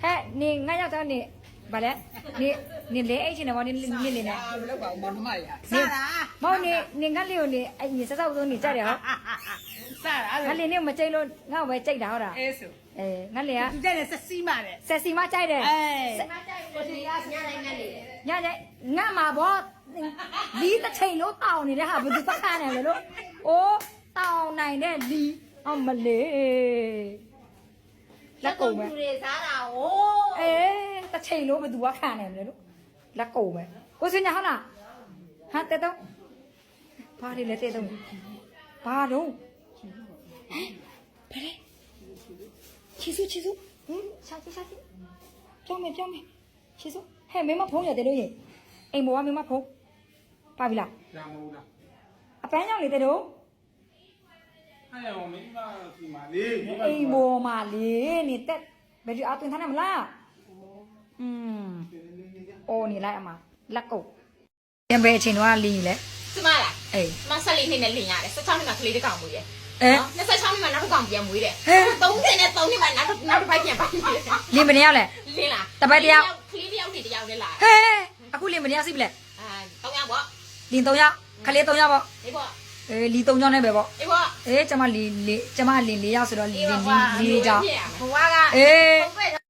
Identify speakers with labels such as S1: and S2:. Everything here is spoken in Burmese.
S1: 你俺要找你，不嘞？你来爱情的话，你呢？
S2: 不了搞毛他妈呀！
S1: 冇你俺留你，哎，你啥时候你摘了？俺留你没摘了，俺会摘到的。
S2: 哎是。
S1: 哎，俺留啊。
S2: 你这是谁嘛的？
S1: 是谁嘛摘的？
S2: 哎。
S1: 伢伢，俺妈婆，离得近了到你的哈，不是不看的了哦，到奶奶离，哦没嘞。လက်ကုန်ပဲ
S3: စားတာဟိုး
S1: တစ်ချိန်လုံးဘသူကခံနေမလဲလို့လက်ကုန်ပဲကိုစင်ညာဟုတ်လားဟာတဲ့တော့ဘာတွေလဲတဲ့တော့ဘာတော့ဟမ်ဘာလဲချီစုရှာကြည့်ကြောင်းမယ်ချီစုဟဲ့မင်းမဖုံးရတယ်လို့ရင်အိမ်ဘောကမင်းမဖုံးပါပြီလား
S4: ကြာမဟုတ်လား
S1: အပန်းကြောင့်လေတဲ့တော့
S4: အဲ့ရောမိမရှိမှာလေ
S1: အိမ်ဘောမှာလေနေတက်ဘယ်ဒီအသွင်ထားနေမလားအော်နေလိုက်အမလက်ကုတ်ပြန်ပဲအချိန်တော့လင်းလေ
S3: စမလား
S1: အေး
S3: မဆက်လေးနှစ်နဲ့လင်ရတယ်16နှစ်မှာကလေးတစ်ကောင်မွေးတယ်
S1: အဲ
S3: နော်26နှစ်မှာနောက်တစ်ကောင်ပြန်မွေးတယ်30နဲ့3နှစ်မှာနောက်တစ်ပိုက်ပြန်ပိုက်တယ်
S1: လင်းမနေရလဲ
S3: လင်းလား
S1: တပတ်တယောက်
S3: ကလေးတစ်ယောက်နဲ့တစ်ယောက်နဲ့လာ
S1: ဟဲအခုလင်းမနေရစီပြီလေ
S3: 3ယောက်ပေါ့
S1: လင်း3ယောက်ခလေး3ယောက်ပေါ့
S3: ဒီပေါ့
S1: အေးလီ3ယောက်နဲ့ပဲပေါ့
S3: ဒီပေါ့
S1: အေးကျမလင်း4ယောက်ဆိုတော့လင်းကြောင်း
S3: ဘဝက
S1: အေး
S3: ဘယ်